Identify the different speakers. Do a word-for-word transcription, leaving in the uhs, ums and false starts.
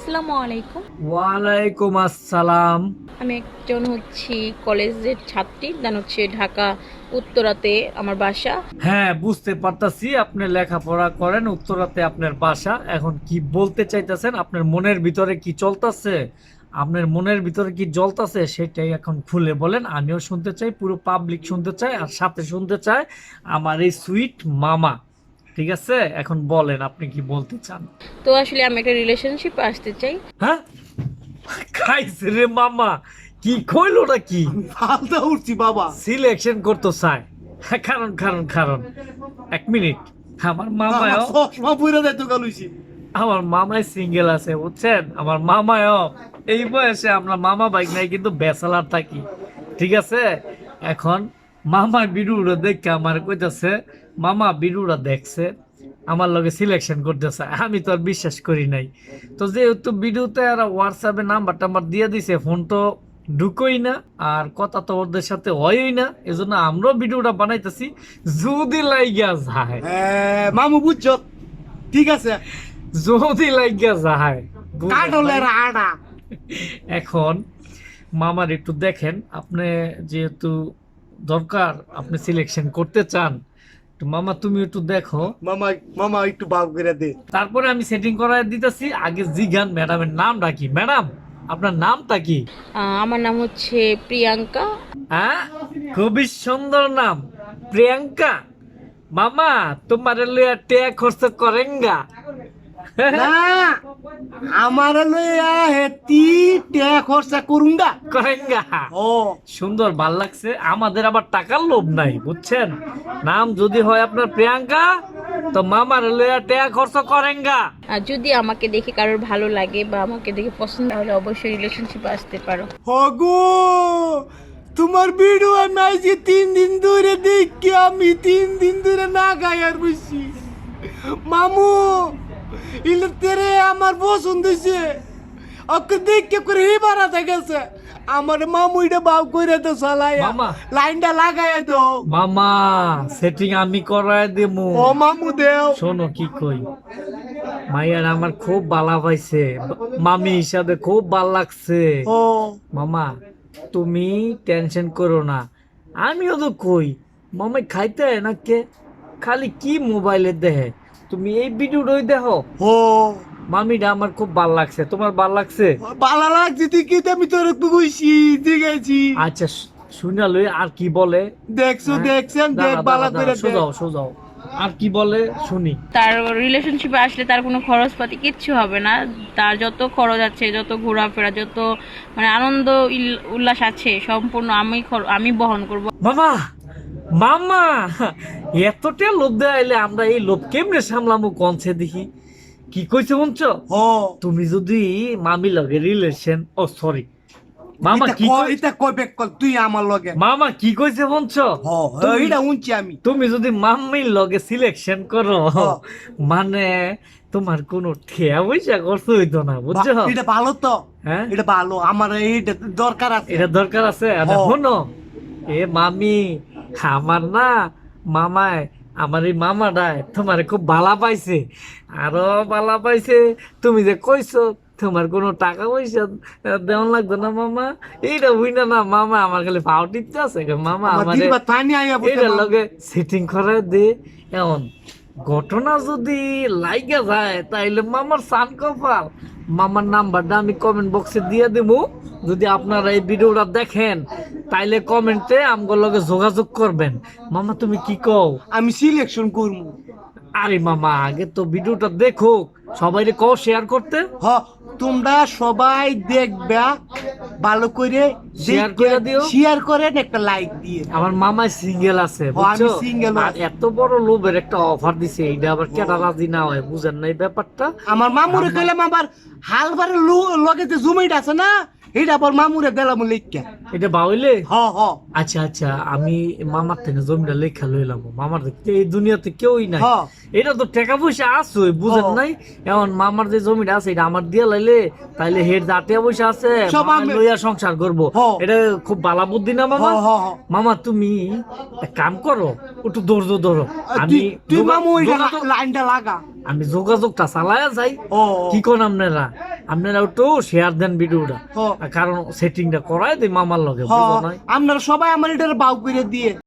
Speaker 1: আসসালামু আলাইকুম।
Speaker 2: ওয়ালাইকুম আসসালাম।
Speaker 1: আমি একজন হচ্ছি কলেজের ছাত্রী, দেন হচ্ছে ঢাকা উত্তরাতে আমার বাসা।
Speaker 2: হ্যাঁ, বুঝতে পারতাছি আপনি লেখাপড়া করেন, উত্তরাতে আপনার বাসা। এখন কি বলতে চাইতেছেন, আপনার মনের ভিতরে কি চলতেছে, আপনার মনের ভিতরে কি জ্বলতাছে সেটাই এখন খুলে বলেন। আমিও শুনতে চাই, পুরো পাবলিক শুনতে চাই, আর সাথে শুনতে চাই আমার এই সুইট মামা। ঠিক আছে, এখন বলেন আপনি কি বলতে চান।
Speaker 1: তো আসলে আমি একটা রিলেশনশিপ আসতে চাই।
Speaker 2: হ্যাঁ, খাইছে রে মামা, কি কইলোটা কি
Speaker 3: ফালতা উঠছি বাবা।
Speaker 2: সিলেকশন করতে চায়। হ্যাঁ, কারণ কারণ কারণ এক মিনিট, আমার মামাও
Speaker 3: চশমা পুরা দেয় তো গালুইছি।
Speaker 2: আমার মামাই সিঙ্গেল আছে বুঝছেন, আমার মামাও এই বয়সে, আমরা মামা বাইক নাই কিন্তু ব্যাচেলার থাকি। ঠিক আছে, এখন মামার বিরুরা দেখে আমার কইতাছে, মামা বিরুরা দেখছে আমার লগে সিলেকশন করতেছে, আমি তো আর বিশ্বাস করি নাই। তো যেহেতু ভিডিওতে আর হোয়াটসঅ্যাপে নাম্বার টাম্বার দিয়ে দিছে, ফোন তো ঢুকোই না, আর কথা তো ওদের সাথে হয়ই না, এজন্য আমরাও ভিডিওটা বানাইতেছি যদি লাইগা যায়।
Speaker 3: হ্যাঁ, মামু বুঝছ, ঠিক আছে।
Speaker 2: যদি লাইগা যায়
Speaker 3: কাটলের আড়া।
Speaker 2: এখন মামার একটু দেখেন, আপনি যেহেতু দরকার আপনি সিলেকশন করতে চান, তো মামা তুমি একটু দেখো,
Speaker 3: মামা মামা একটু বাপ করে দে।
Speaker 2: তারপরে আমি সেটিং করায় দিতেছি। আগে জিগান ম্যাডামের নামটা কি, ম্যাডাম আপনার নামটা কি?
Speaker 1: আহ, আমার নাম হচ্ছে প্রিয়াঙ্কা।
Speaker 2: হ্যাঁ, খুবই সুন্দর নাম, প্রিয়াঙ্কা। মামা তোমার লিয়া টেয়া খরচ করেঙ্গা?
Speaker 3: না, আমার লইয়া হেতি টে খরচা করুঙ্গা।
Speaker 2: করেঙ্গা।
Speaker 3: ও
Speaker 2: সুন্দর, ভাল লাগছে। আমাদের আবার টাকার লোভ নাই বুঝছেন, নাম যদি হয় আপনার প্রিয়াঙ্কা, তো মামার লইয়া টেয়া খরচ করেঙ্গা।
Speaker 1: আর যদি আমাকে দেখে কারোর ভালো লাগে বা আমাকে দেখে পছন্দ হলে অবশ্যই রিলেশনশিপে আসতে পারো।
Speaker 3: হগো, তোমার ভিডিও আমি আজকে তিন দিন ধরে দেখি, আমি তিন দিন ধরে না গাই আর বুঝছি। মামু ইলে তেরে আমার পছন্দ হয়েছে, ওকে দেখে করে হি বাড়াতে গেছে। আমার মামু এটা বাপ করে তো চালাই,
Speaker 2: মামা।
Speaker 3: লাইনটা লাগাই তো।
Speaker 2: মামা সেটিং আমি করায় দেবো।
Speaker 3: ও মামু দেও।
Speaker 2: শোনো কি কই, মাইয়ার আমার খুব ভালো পাইছে, মামি হিসাবে খুব ভাল লাগছে।
Speaker 3: ও
Speaker 2: মামা তুমি টেনশন করো না, আমিও তো কই মামাই খাইতে হয় না কে, খালি কি মোবাইলে দেখে, তুমি এই ভিডিওটাই দেখো।
Speaker 3: ও
Speaker 2: মামিটা আমার খুব ভাল লাগছে, তোমার ভাল লাগছে?
Speaker 3: ভালো লাগছে তুই কি, আমি তোর বুঝছি দেখেছি।
Speaker 2: আচ্ছা শুনা লই, আর কি বলে?
Speaker 3: দেখছো
Speaker 2: হ্যাঁ?
Speaker 3: দেখছেন, দেখ
Speaker 2: দাঁড়া,
Speaker 3: ভালো
Speaker 2: দাঁড়া,
Speaker 3: করে
Speaker 2: দাঁড়া,
Speaker 3: দেখ।
Speaker 2: সোজাও সোজাও, আর কি বলে শুনি।
Speaker 1: তার রিলেশনশিপে আসলে তার কোনো খরচপাতি কিচ্ছু হবে না। তার যত খরচ আছে, যত ঘোরাফেরা, যত মানে আনন্দ ইল- উল্লাস আছে, সম্পূর্ণ আমি খর- আমি বহন করব।
Speaker 2: মামা, মামা এতটা লোভ দেয়াইলে আমরা এই লোভ কেমনে সামলামু কনছে দেখি, কি কইছে শুনছ?
Speaker 3: ও
Speaker 2: তুমি যদি মামি লগে রিলেশন, ও সরি মামা,
Speaker 3: এটা
Speaker 2: কি
Speaker 3: ক-
Speaker 2: কই-
Speaker 3: এটা কই বেক কর তুই আমার লগে।
Speaker 2: মামা কি কইছে শুনছ?
Speaker 3: হ
Speaker 2: তুমি-
Speaker 3: এইটা উনছি আমি।
Speaker 2: তুমি যদি মাম্মির লগে সিলেকশন করো,
Speaker 3: হ্যাঁ।
Speaker 2: মানে তোমার কোনো ঠেয়া পয়সা খরচ হইতো না বুঝছো।
Speaker 3: বা- এটা ভালো তো,
Speaker 2: হ্যাঁ,
Speaker 3: এটা ভালো, আমার এইটা দরকার আছে।
Speaker 2: এটা দরকার আছে। আর
Speaker 3: হ্যাঁ।
Speaker 2: শোনো, এ মামি, আমার না মামায়, আমার এই মামাটায় তোমার খুব ভালা পাইছে, আরো ভালা পাইছে। তুমি যে কইছো তোমার কোনো টাকা পয়সা দেওয়ান লাগতো না মামা, এইটা বুঝনা না মামা, আমার খালি পাও টিপতে আছে গো। মামা
Speaker 3: আমার
Speaker 2: আমার
Speaker 3: দিদিবা পানি আইয়া বসে
Speaker 2: এটার
Speaker 3: মামু।
Speaker 2: লগে সেটিং করে দে। এমন ঘটনা যদি লাইগা যায় তাইলে মামার সান কপাল। মামার নাম্বারটা আমি কমেন্ট বক্সে দিয়ে দেবো, যদি আপনারা এই ভিডিওটা দেখেন তাইলে কমেন্টে আমগোর লগে যোগাযোগ করবেন। মামা তুমি কি কও?
Speaker 3: আমি সিলেকশন করবো।
Speaker 2: আরে মামা আগে তো ভিডিওটা দেখুক, সবাই কও শেয়ার করতে।
Speaker 3: হ তোমরা সবাই দেখবা, ভালো করে
Speaker 2: শেয়ার করে দিও।
Speaker 3: শেয়ার করেন, একটা লাইক দিয়ে।
Speaker 2: আমার মামা সিঙ্গেল আছে
Speaker 3: ও, আমি
Speaker 2: বুঝছো,
Speaker 3: single
Speaker 2: আর এত বড় লোভের একটা অফার দিছে, এইটা আবার কেটা রাজি না হয় বুঝেন না এই ব্যাপারটা।
Speaker 3: আমার মামুরে কইলাম, আবার হালবারে লগে যে জুমাইটা আছে না, এটা আবার মামুরে দিলাম লিখা।
Speaker 2: এটা বাউলে।
Speaker 3: হ হ
Speaker 2: আচ্ছা আচ্ছা, আমি মামার থেকে জমিটা লেখা লইলাম, মামার দেখতে এই দুনিয়াতে কেউই নাই।
Speaker 3: হ্যাঁ।
Speaker 2: এটা তো টাকা পয়সা আছে বুঝেন
Speaker 3: হ্যাঁ।
Speaker 2: নাই, এখন মামার যে জমিটা আছে এটা আমার দিয়ে লাইলে তাইলে হের যা টাকা পয়সা আছে
Speaker 3: সব
Speaker 2: মামা
Speaker 3: আমি-
Speaker 2: লইয়া সংসার করবো।
Speaker 3: হ্যাঁ।
Speaker 2: এটা খুব ভালো বুদ্ধি না মামা?
Speaker 3: হ হ হ।
Speaker 2: মামা তুমি এক কাম করো, একটু ধৈর্য ধরো, আমি
Speaker 3: তুই তুই
Speaker 2: যোগা-
Speaker 3: মামু ওইটা
Speaker 2: যোগাযোগ-
Speaker 3: লাইনটা লাগা।
Speaker 2: আমি যোগাযোগটা চালায়া যাই।
Speaker 3: ও
Speaker 2: কি কোন আপনারা আপনারা একটু শেয়ার দেন ভিডিওটা,
Speaker 3: ও
Speaker 2: কারণ সেটিংটা করাই দিই মামার লগে,
Speaker 3: হ
Speaker 2: বুঝো নাই?
Speaker 3: আপনারা সবাই আমার এটা বাউ করে দিয়ে